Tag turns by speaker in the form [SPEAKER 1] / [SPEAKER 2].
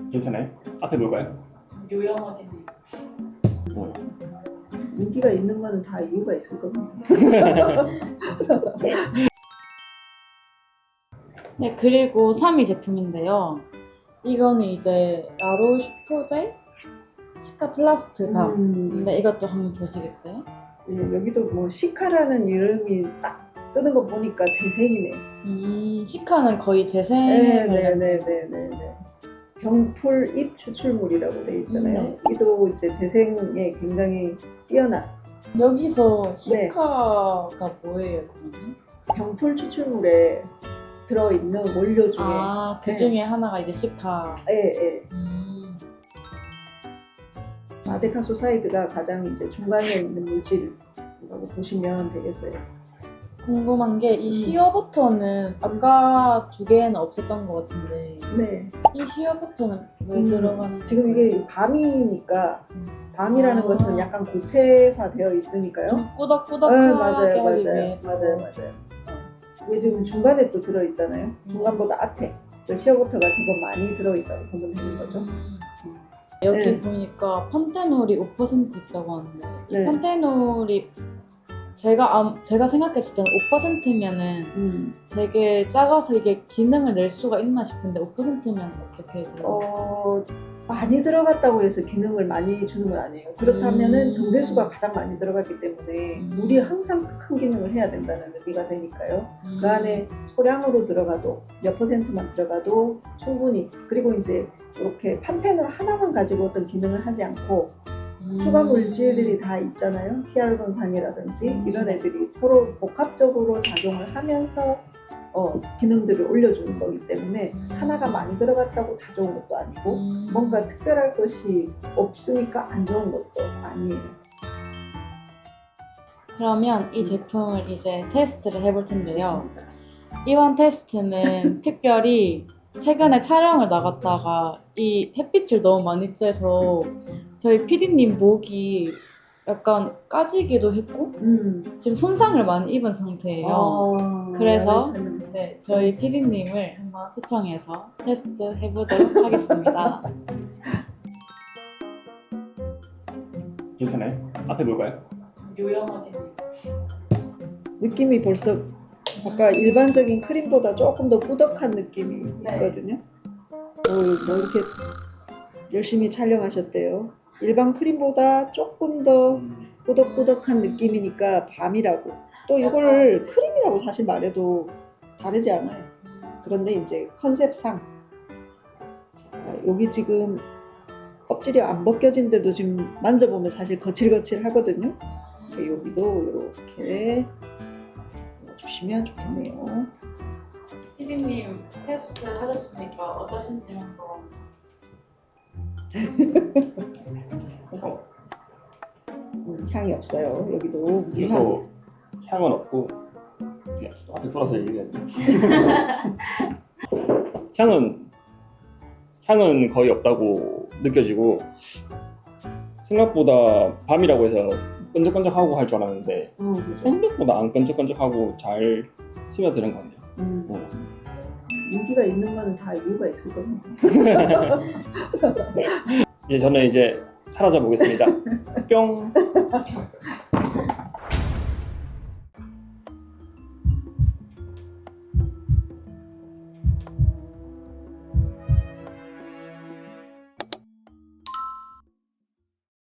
[SPEAKER 1] 괜찮아요? 앞에 뭘까요?
[SPEAKER 2] 요양하게
[SPEAKER 1] 뭐요?
[SPEAKER 3] 인기가 있는 거는 다 이유가 있을 겁니다.
[SPEAKER 2] 네, 그리고 3위 제품인데요. 이거는 이제 라로슈포제 시카 플라스트가 근데 이것도 한번 보시겠어요?
[SPEAKER 3] 예, 여기도 뭐 시카라는 이름이 딱 뜨는 거 보니까 재생이네.
[SPEAKER 2] 시카는 거의 재생에
[SPEAKER 3] 네네네네네. 병풀 잎 추출물이라고 돼 있잖아요.
[SPEAKER 2] 네.
[SPEAKER 3] 이도 이제 재생에 굉장히 뛰어난
[SPEAKER 2] 여기서
[SPEAKER 3] 네.
[SPEAKER 2] 시카가 뭐예요, 그러면?
[SPEAKER 3] 병풀 추출물에 들어있는 원료 중에
[SPEAKER 2] 그 중에 하나가 이제 시카.
[SPEAKER 3] 예. 마데카소사이드가 가장 이제 중간에 있는 물질이라고 보시면 되겠어요.
[SPEAKER 2] 궁금한 게 이 시어버터는 아까 두 개는 없었던 것 같은데
[SPEAKER 3] 네.
[SPEAKER 2] 이 시어버터는 왜 들어가는지
[SPEAKER 3] 지금 이게 밤이니까 밤이라는 것은 약간 고체화되어 있으니까요.
[SPEAKER 2] 좀 꾸덕꾸덕하게
[SPEAKER 3] 맞아요.
[SPEAKER 2] 하기 위해서.
[SPEAKER 3] 이게 지금 중간에 또 들어있잖아요. 중간보다 앞에 그 시어버터가 제법 많이 들어있다고 보면 되는 거죠.
[SPEAKER 2] 여기
[SPEAKER 3] 네.
[SPEAKER 2] 보니까 판테놀이 5% 있다고 하는데
[SPEAKER 3] 네.
[SPEAKER 2] 판테놀이 제가 생각했을 때는 5%면은 되게 작아서 이게 기능을 낼 수가 있나 싶은데 5%면 어떻게 돼요?
[SPEAKER 3] 많이 들어갔다고 해서 기능을 많이 주는 건 아니에요. 그렇다면은 정제수가 가장 많이 들어갔기 때문에 물이 항상 큰 기능을 해야 된다는 의미가 되니까요. 그 안에 소량으로 들어가도 몇 %만 들어가도 충분히, 그리고 이제 이렇게 판테놀 하나만 가지고 어떤 기능을 하지 않고 추가 물질들이 다 있잖아요. 히알루론산이라든지 이런 애들이 서로 복합적으로 작용을 하면서 기능들을 올려주는 거기 때문에 하나가 많이 들어갔다고 다 좋은 것도 아니고 뭔가 특별할 것이 없으니까 안 좋은 것도 아니에요.
[SPEAKER 2] 그러면 이 제품을 이제 테스트를 해볼 텐데요.
[SPEAKER 3] 좋습니다.
[SPEAKER 2] 이번 테스트는 특별히 최근에 촬영을 나갔다가 이 햇빛을 너무 많이 쬐서 저희 PD님 목이 약간 까지기도 했고 지금 손상을 많이 입은 상태예요. 그래서 네, 저희 PD님을 한번 초청해서 테스트 해보도록 하겠습니다.
[SPEAKER 1] 괜찮아요? 앞에 뭘까요?
[SPEAKER 2] 요양하게
[SPEAKER 3] 느낌이 벌써 아까 일반적인 크림보다 조금 더 꾸덕한 느낌이
[SPEAKER 2] 네.
[SPEAKER 3] 있거든요. 뭐 이렇게 열심히 촬영하셨대요. 일반 크림보다 조금 더 꾸덕꾸덕한 느낌이니까 밤이라고. 또 이걸 크림이라고 사실 말해도 다르지 않아요. 그런데 이제 컨셉상 여기 지금 껍질이 안 벗겨진데도 지금 만져보면 사실 거칠거칠 하거든요. 여기도 이렇게 주시면 좋겠네요.
[SPEAKER 2] PD님 테스트 하셨으니까 어떠신지 한번.
[SPEAKER 3] 향이 없어요. 여기도
[SPEAKER 1] 그래서 향은 없고 앞에 돌아서 얘기해야지. 향은 거의 없다고 느껴지고 생각보다 밤이라고 해서 끈적끈적하고 할 줄 알았는데 생각보다 안 끈적끈적하고 잘 스며드는 것 같네요.
[SPEAKER 3] 인기가 있는 거는 다 이유가 있을 겁니다.
[SPEAKER 1] 이제 저는 이제 사라져 보겠습니다. 뿅.